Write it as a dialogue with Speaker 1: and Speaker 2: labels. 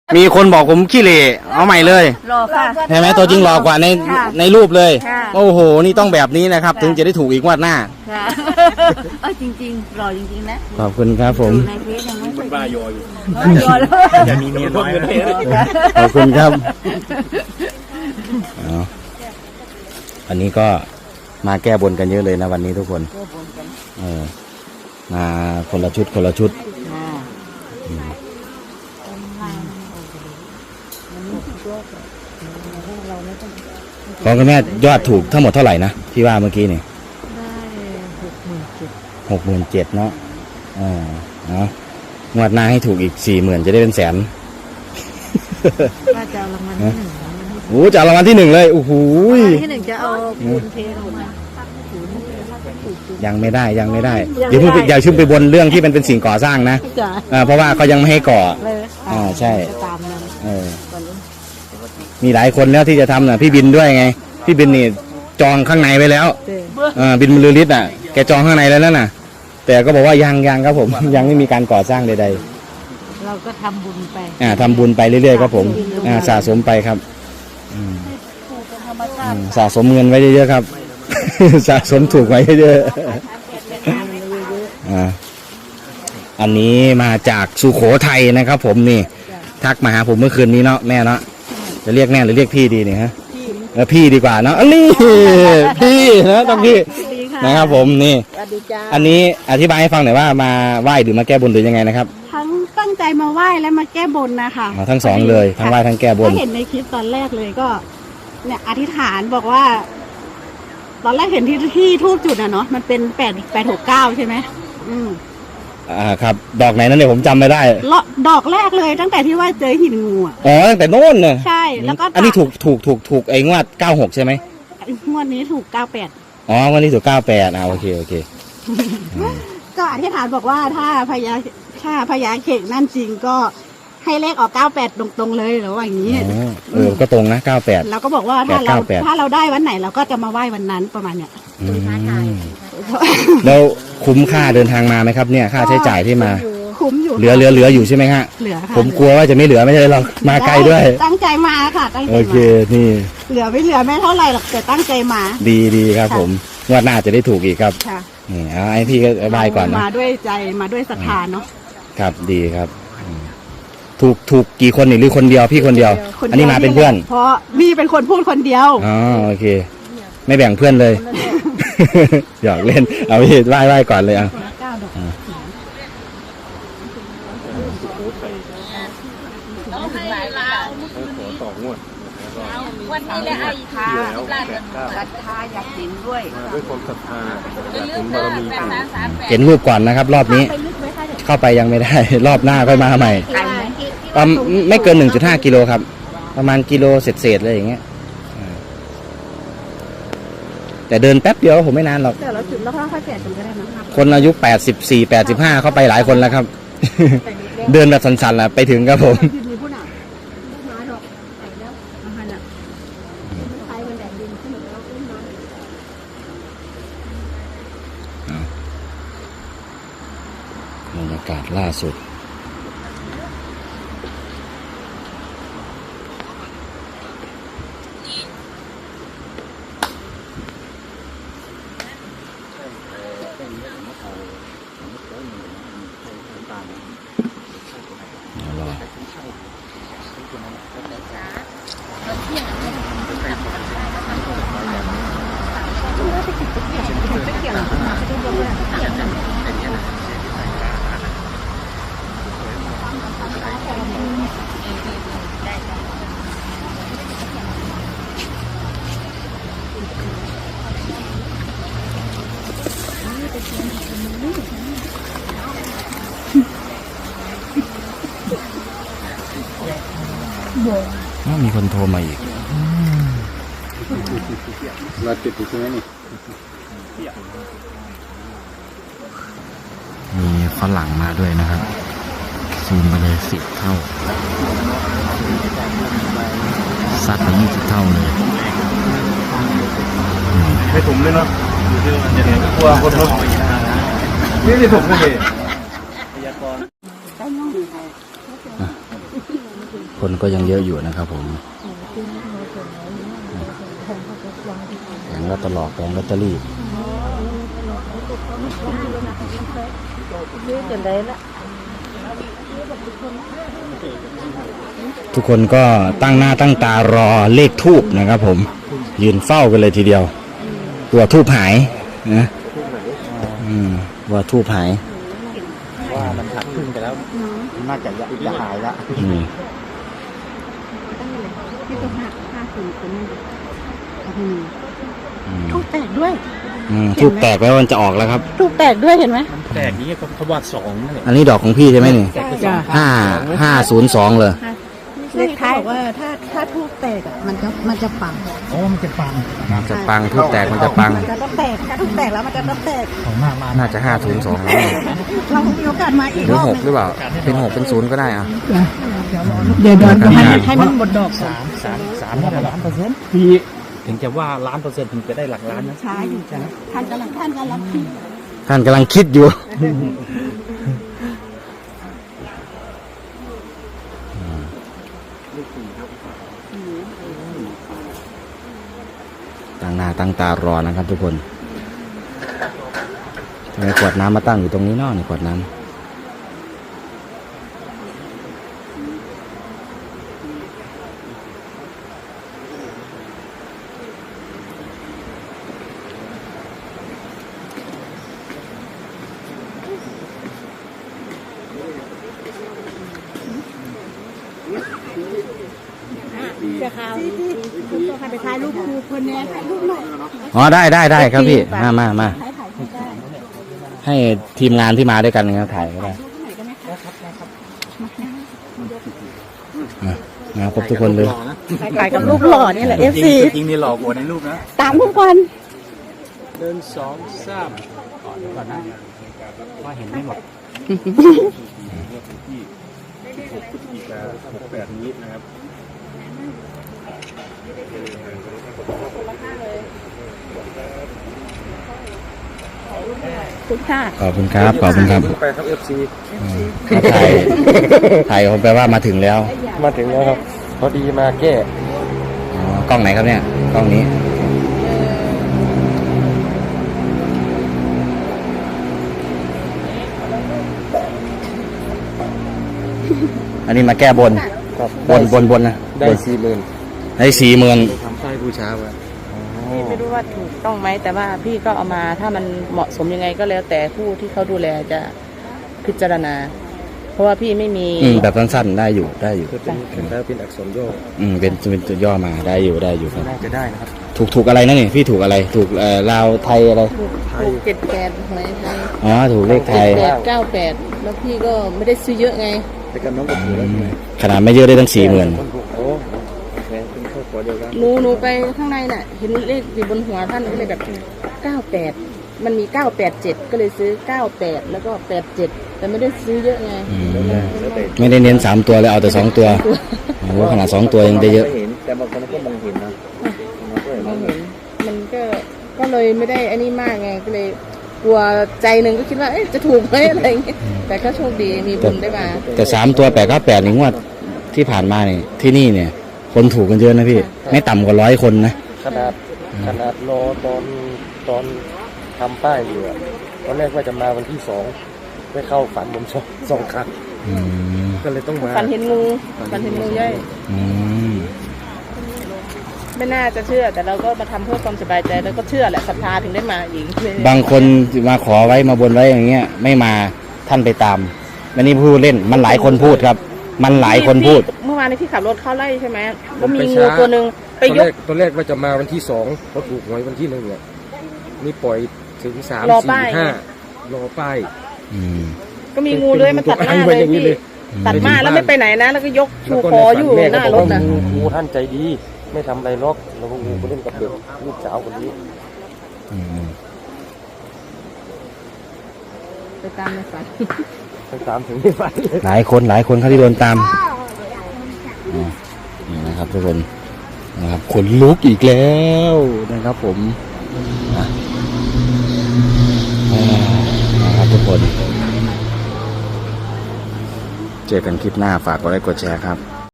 Speaker 1: มีคนบอกผมขี้เหร่เอาใหม่เลย
Speaker 2: หล่อค่ะ
Speaker 1: เห็นไหมตัวจริงหล่อกว่าในรูปเลยโอ้โหนี่ต้องแบบนี้นะครับถึงจะได้ถูกอีกงวดหน้า
Speaker 2: ค่ะจริงๆหล่อจริงๆนะ
Speaker 1: ขอบคุณครับผม
Speaker 2: ในเพจยังไม่
Speaker 3: คนบ้ายออยู่
Speaker 2: ยอแล้ว
Speaker 3: จะมีเมียน้อย
Speaker 1: ขอบคุณครับอันนี้ก็มาแก้บนกันเยอะเลยนะวันนี้ทุกคนมาคนละชุดคนละชุดของคุณแม่ยอดถูกทั้งหมดเท่าไหร่นะที่ว่าเมื่อกี้นี่ได้67,000เนาะเนาะงวดหน้าให้ถูกอีก40,000จะได้เป็นแสน
Speaker 2: ว่าจะเอารางวัลที่1
Speaker 1: โอ้จะเอารางวัลที่1เลยโอ้โห
Speaker 2: ที่1จะเอาปูนเทลงมา
Speaker 1: ยังไม่ได้อย่าเพิ่งอย่าชึ่งไปบนเรื่องที่เป็นสิ่งก่อสร้างนะเพราะว่าเขายังไม่ให้ก่อใช่มีหลายคนแล้วที่จะทำนะพี่บินด้วยไงพี่บินนี่จองข้างในไว้แล้วบินบรรลือฤทธิ์อ่ะแกจองข้างในแล้วน่ะแต่ก็บอกว่ายังครับผมยังไม่มีการก่อสร้างใด
Speaker 2: ๆเราก็ทำบุญไป
Speaker 1: ทำบุญไปเรื่อยๆครับผมสะสมไปครับสะสมเงินไว้เยอะๆครับสะสมถูกไว้เยอะๆอันนี้มาจากสุโขทัยนะครับผมนี่ทักมาหาผมเมื่อคืนนี้เนาะแม่เนาะจะเรียกแม่หรือเรียกพี่ดีเนี่ยฮะพี่ดีกว่าเนาะอันนี้พี่นะต้องพี่นะครับผมนี่อันนี้อธิบายให้ฟังหน่อยว่ามาไหว้หรือมาแก้บนหรือยังไงนะครับ
Speaker 4: ทั้งตั้งใจมาไหว้และมาแก้บนนะคะ
Speaker 1: ทั้งสองเลยทั้งไหว้ทั้งแก้บน
Speaker 4: เห็นในคลิปตอนแรกเลยก็เนี่ยอธิษฐานบอกว่าตอนแรกเห็นที่ทูบจุดเนาะมันเป็น869ใช่ไหม
Speaker 1: ครับดอกไหนนั่นเนี่ยผมจำไม่ได้
Speaker 4: ดอกแรกเลยตั้งแต่ที่ว่าเจอหินงู
Speaker 1: ตั้งแต่โน่นเลย
Speaker 4: ใช่แล้วก็
Speaker 1: อันนี้ถูกไอ้งวด96ใช่ไหม
Speaker 4: งวดนี้ถูก98
Speaker 1: งวดนี้ถูก98โอเค
Speaker 4: ก็อธิษฐานบอกว่าถ้าพญาเข่งนั่นจริงก็ให้เลขออก98ตรงๆเลยหรือว่าอย่างนี้
Speaker 1: ก็ตรงนะ98
Speaker 4: แล้วก็บอกว่าถ้าเราได้วันไหนเราก็จะมาไหว้วันนั้นประมาณเนี้ย
Speaker 1: แล้วคุ้มค่าเดินทางมาไหมครับเนี่ยค่าใช้จ่ายที่มา
Speaker 4: คุ้มอยู่
Speaker 1: เหลืออยู่ใช่ไหมฮะ
Speaker 4: เหลือ
Speaker 1: ผมกลัวว่าจะไม่เหลือไม่ใช่หรอกมาไกลด้วย
Speaker 4: ตั้งใจมาค่ะตั้งใจมา
Speaker 1: โอเคนี่
Speaker 4: เหลือไม่เท่าไหร่หรอกแต่ตั้งใจมา
Speaker 1: ดีครับผมงวดหน้าจะได้ถูกอีกครับนี่ไอ้พี่ก็บายก่อนนะ
Speaker 4: มาด้วยใจมาด้วยศรัทธาเนาะ
Speaker 1: ครับดีครับถูกกี่คนหรือคนเดียวพี่คนเดียวอันนี้มาเป็นเพื่อน
Speaker 4: เพราะนี่เป็นคนพูดคนเดียว
Speaker 1: โอเคไม่แบ่งเพื่อนเลยหยอกเล่นเอาพี่ไหว้ก่อนเลย
Speaker 2: วันนี้แหละไอ้ค่ะศรัทธาอยากเห็นด้วย
Speaker 3: ด้วยความศรัทธาอยากเห็นบารมี
Speaker 1: เห็นรูปก่อนนะครับรอบนี้เข้าไปยังไม่ได้รอบหน้าค่อยมาใหม่ไม่เกิน 1.5 กิโลครับประมาณกิโลเศษเลยอย่างเงี้ยแต่เดินแป๊บเดียวผมไม่นานหรอก
Speaker 4: แต่เราจุดแล้วค่อยๆแก่กันก็ได้นะครับ
Speaker 1: คนอายุ84 85เข้าไปหลายคนแล้วครับเดินแบบสันๆแหละไปถึงครับผมบรรยากาศล่าสุดมีคนโทรมาอีก
Speaker 3: เราติดอยู่ใช่ไหมนี่
Speaker 1: มีฝรั่งมาด้วยนะครับซูมไปเลย10 เท่าซัดไป20 เท่าเลย
Speaker 3: ให้ผมเลยเนาะกลัวคนรถนี่ได้ผมเลย
Speaker 1: คนก็ยังเยอะอยู่นะครับผมแผงลอตเตอรี่แผงลอตเตอรี่ทุกคนก็ตั้งหน้าตั้งตารอเลขทูบนะครับผมยืนเฝ้ากันเลยทีเดียวตัวทูบหายนะว่าทูบหาย
Speaker 3: ว่ามันหักครึ่งไปแล้วน่าจะหายละ
Speaker 4: ที่ตัวหัก50คนทูบแตกด้วย
Speaker 1: ทูบแตกแล้วมันจะออกแล้วครับ
Speaker 4: ทูบแตกด้วยเห็นไหม
Speaker 3: แตกนี้เขาวาด2นั่นแหละ
Speaker 1: อันนี้ดอกของพี่ใช่ไหมนี่
Speaker 4: จ้ะ
Speaker 1: 502เลย
Speaker 4: เลขท้ายบอกว่าถ้าทูบแตกอ่ะมันจะปัง
Speaker 3: โอ้มันจะฟัง
Speaker 1: มันจะปังทูบแตกมันจะปัง
Speaker 4: มันจะต้องแตกถ้าทูบแตกแล้วมันจะต้องแตก
Speaker 3: ของมาก
Speaker 1: น่าจะ502แล้วนี่
Speaker 4: เรามีโอกาสมาอีก
Speaker 1: หรื
Speaker 4: ร
Speaker 1: อ
Speaker 4: อบ
Speaker 1: 6หรือเปล่าเป็น6เป็น0ก็ได้อ่ะ
Speaker 4: เดี๋ยวให้มันหมดดอกก่อน
Speaker 3: 3นี่1,000,000%พี่ถึงจะว่า1,000,000%ถึงจะได้หลักล้านนะ
Speaker 4: ช้าอยู่จ้ะท่านกำลังคิด
Speaker 1: ท่านกำลังคิดอยู่ ตั้งหน้าตั้งตารอนะครับทุกคนทำไมขวดน้ำมาตั้งอยู่ตรงนี้เนาะนี่ขวดน้ำ
Speaker 4: จะข่าวคุณต้องไปถ่ายรูปครูคนนี้ถ่ายรูปหน่อย
Speaker 1: อ๋อได้ครับพี่มา
Speaker 4: ถ่ายได้
Speaker 1: ให้ทีมงานที่มาด้วยกันนะครับถ่ายก็ได้มาครบทุกคนเลย
Speaker 4: ถ่ายกับรูปหล่อนี่แหละ FC
Speaker 3: จริงนี่หลอกกว่าในรูปนะ
Speaker 4: ตามทุกคน
Speaker 3: 1 2 3ก่อนนะว่าเห็นไม่หมด68นี้นะครับ
Speaker 4: ทุกท่า
Speaker 1: ขอบคุณครับ
Speaker 3: ไปครับ FC
Speaker 1: ถ่ายผมแปลว่ามาถึงแล้ว
Speaker 3: มาถึงแล้วครับพอดีมาแก้
Speaker 1: อ๋อกล้องไหนครับเนี่ยกล้องนี้อันนี้มาแก้บน
Speaker 3: ครับ
Speaker 1: บนนะ
Speaker 3: ได้
Speaker 1: บน
Speaker 3: 40,000
Speaker 1: ได้40,000
Speaker 3: ทำไส้บูชาไว้
Speaker 2: พี่ไม่รู้ว่าถูกต้องไหมแต่ว่าพี่ก็เอามาถ้ามันเหมาะสมยังไงก็แล้วแต่ผู้ที่เขาดูแลจะพิจารณา เพราะว่าพี่ไม่มี
Speaker 1: แบบสั้นๆได้อยู่
Speaker 3: คือเป็นอักษรย่อ
Speaker 1: เป็นตัวย่อมาได้อยู่ครับ
Speaker 3: น่าจะได้นะครับ
Speaker 1: ถูกอะไรนะนี่พี่ถูกอะไรถูกลาวไทยอะไร
Speaker 2: ถูก78หวยไทย
Speaker 1: อ๋อถูกเลขไทย
Speaker 2: 98แล้วพี่ก็ไม่ได้ซื้อเยอะไง
Speaker 3: แต่กับน้องก็ถูกแล้วใช่ไหม
Speaker 1: ขนาดไม่เยอะได้ตั้ง40,000
Speaker 3: คนถูกโอ้แพงเป็นครอบครัวเดียวกัน
Speaker 2: หนูไปข้างในน่ะเห็นเลขอยู่บนหัวท่านก็เลยแบบ98มันมี987ก็เลยซื้อ98แล้วก็87แต่ไม่ได้ซื้อเยอะไง
Speaker 1: ไม่ได้เน้น3ตัวเลยเอาแต่2ตัวโอ้โหขนาด2ตัวยังได้เยอะ
Speaker 3: เห็นแต่บางคนก็มองเห็นนะมันก็เห็น
Speaker 2: มองเห็นมันก็เลยไม่ได้อันนี้มากไงก็เลยกลัวใจหนึ่งก็คิดว่าเอ๊ะจะถูกไหมอะไรอย่างเงี้ยแต่ก็โชคดีมีบุญได้มา
Speaker 1: แต่3ตัว898นี่งวดที่ผ่านมานี่ที่นี่เนี่ย คนถูกกันเยอะนะพี่ไม่ต่ำกว่า100 คนนะ
Speaker 3: ขนาดรอตอนทำป้ายอยู่อะตอนแรกว่าจะมาวันที่2ไปเข้าฝันผมสองครั้ง
Speaker 1: อืม
Speaker 3: ก็เลยต้องมา
Speaker 2: ฝันเห็นงูย่อย
Speaker 1: อืม
Speaker 2: ไม่น่าจะเชื่อแต่เราก็มาทำเพื่อความสบายใจแล้วก็เชื่อแหละศรัทธาถึงได้มาอีก
Speaker 1: บางคนมาขอไว้มาบนไว้อย่างเงี้ยไม่มาท่านไปตามอันนี้พูดเล่นมันหลายคนพูดครับ มันหลายคนพูด
Speaker 2: เมื่อวานนี้พี่ขับรถเข้าไล่ใช่ไหมแล้วมีงูตัวหนึ่งไปยก
Speaker 3: ตอนแรกว่าจะมาวันที่2เพราะถูกหวยวันที่1เนี่ยนี่ปล่อยถึง3
Speaker 2: รอ
Speaker 3: 4
Speaker 2: ป้าย
Speaker 3: 5รอป้าย
Speaker 1: อืม
Speaker 2: ก็มีงูเลื้อยมาตัดหน้าเลยพี่ตัดมาแล้วไม่ไปไหนนะ แล้วก็ยกชูคออยู่หน้ารถนะ
Speaker 3: งูท่านใจดีไม่ทำอะไรหรอกแล้วก็งูก็เล่นกับเด็กลูกสาวคนนี้
Speaker 1: อืม
Speaker 2: ไปตามในฝัน
Speaker 3: ไปตามถึงไม่ฝันเลย
Speaker 1: หลายคนเขาที่โดนตามอ๋อนี่นะครับทุกคนนะครับขนลุกอีกแล้วนะครับผมอ่ะนะครับทุกคนเจอกันคลิปหน้าฝากกดไลค์กดแชร์ครับ